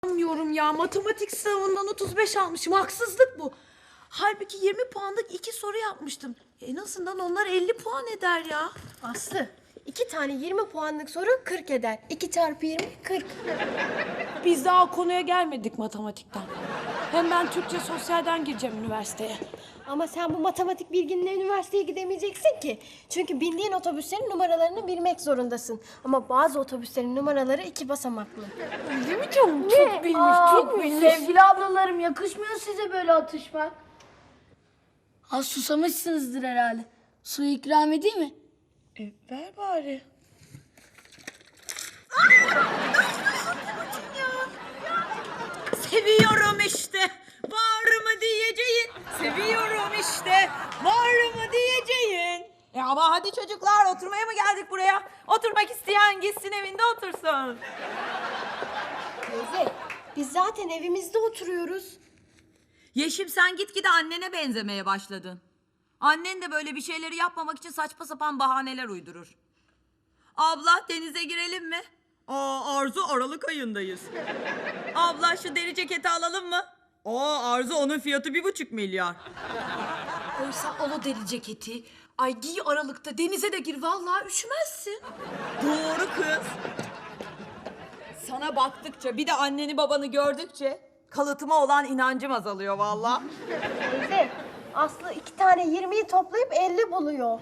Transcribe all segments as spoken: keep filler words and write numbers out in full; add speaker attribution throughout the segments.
Speaker 1: İnanmıyorum ya. Matematik sınavından otuz beş almışım. Haksızlık bu. Halbuki yirmi puanlık iki soru yapmıştım. En azından onlar elli puan eder ya.
Speaker 2: Aslı, iki tane yirmi puanlık soru kırk eder. iki çarpı yirmi, kırk.
Speaker 1: Biz daha konuya gelmedik matematikten. Hem ben Türkçe sosyalden gireceğim üniversiteye.
Speaker 2: Ama sen bu matematik bilginle üniversiteye gidemeyeceksin ki. Çünkü bindiğin otobüslerin numaralarını bilmek zorundasın. Ama bazı otobüslerin numaraları iki basamaklı.
Speaker 1: Öyle mi canım? Çok bilmiş,
Speaker 3: Aa,
Speaker 1: çok bilmiş.
Speaker 3: Sevgili ablalarım, yakışmıyor size böyle atışmak. Az susamışsınızdır herhalde. Su ikram edeyim mi?
Speaker 1: E, ver bari.
Speaker 4: Seviyorum işte. Var mı diyeceğin? Seviyorum işte. Var mı diyeceğin? E ama hadi çocuklar, oturmaya mı geldik buraya? Oturmak isteyen gitsin evinde otursun.
Speaker 2: Teyze, biz zaten evimizde oturuyoruz.
Speaker 4: Yeşim, sen gitgide annene benzemeye başladın. Annen de böyle bir şeyleri yapmamak için saçma sapan bahaneler uydurur. Abla, denize girelim mi? Aa, Arzu, Aralık ayındayız. Abla, şu deri ceketi alalım mı? Aa, Arzu, onun fiyatı bir buçuk milyar.
Speaker 1: Oysa olo deri ceketi. Ay giy Aralık'ta denize de gir. Vallahi üşümezsin.
Speaker 4: Doğru kız. Sana baktıkça, bir de anneni babanı gördükçe kalıtıma olan inancım azalıyor vallahi.
Speaker 2: Teyze, Aslı iki tane yirmiyi toplayıp elli buluyor.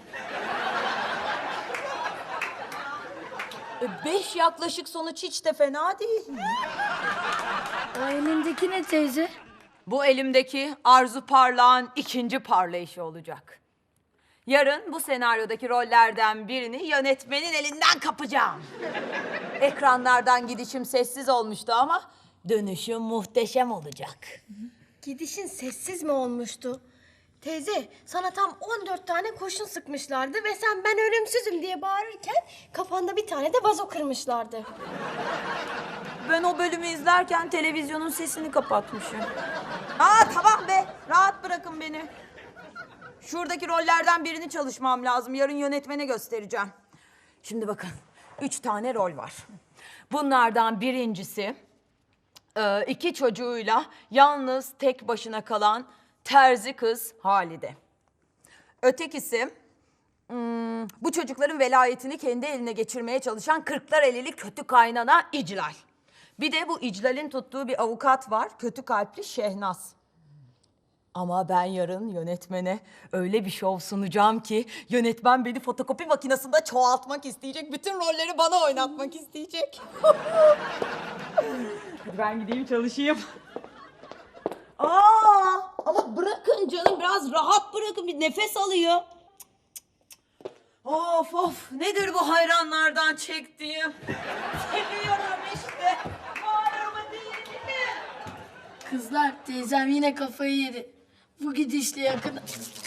Speaker 4: E, beş yaklaşık sonuç hiç de fena değil.
Speaker 3: O elindeki ne teyze?
Speaker 4: Bu elimdeki Arzu Parlağın ikinci parlayışı olacak. Yarın bu senaryodaki rollerden birini yönetmenin elinden kapacağım. Ekranlardan gidişim sessiz olmuştu ama dönüşüm muhteşem olacak.
Speaker 2: Gidişin sessiz mi olmuştu? Teyze, sana tam on dört tane kurşun sıkmışlardı ve sen ben ölümsüzüm diye bağırırken kafanda bir tane de vazo kırmışlardı.
Speaker 4: Ben o bölümü izlerken televizyonun sesini kapatmışım. Aa, tamam be, rahat bırakın beni. Şuradaki rollerden birini çalışmam lazım. Yarın yönetmene göstereceğim. Şimdi bakın, üç tane rol var. Bunlardan birincisi, e, iki çocuğuyla yalnız tek başına kalan terzi kız Halide. Ötekisi, hmm, bu çocukların velayetini kendi eline geçirmeye çalışan Kırklarelili kötü kaynana İclal. Bir de bu İclal'in tuttuğu bir avukat var, kötü kalpli Şehnaz. Ama ben yarın yönetmene öyle bir şov sunacağım ki yönetmen beni fotokopi makinesinde çoğaltmak isteyecek. Bütün rolleri bana oynatmak isteyecek. Hadi ben gideyim çalışayım. Aa, ama bırakın canım, biraz rahat bırakın, bir nefes alıyor. Of of, nedir bu hayranlardan çektiğim? Seviyorum işte. Var mı değil mi?
Speaker 3: Kızlar, teyzem yine kafayı yedi. Bu gidişle yakın...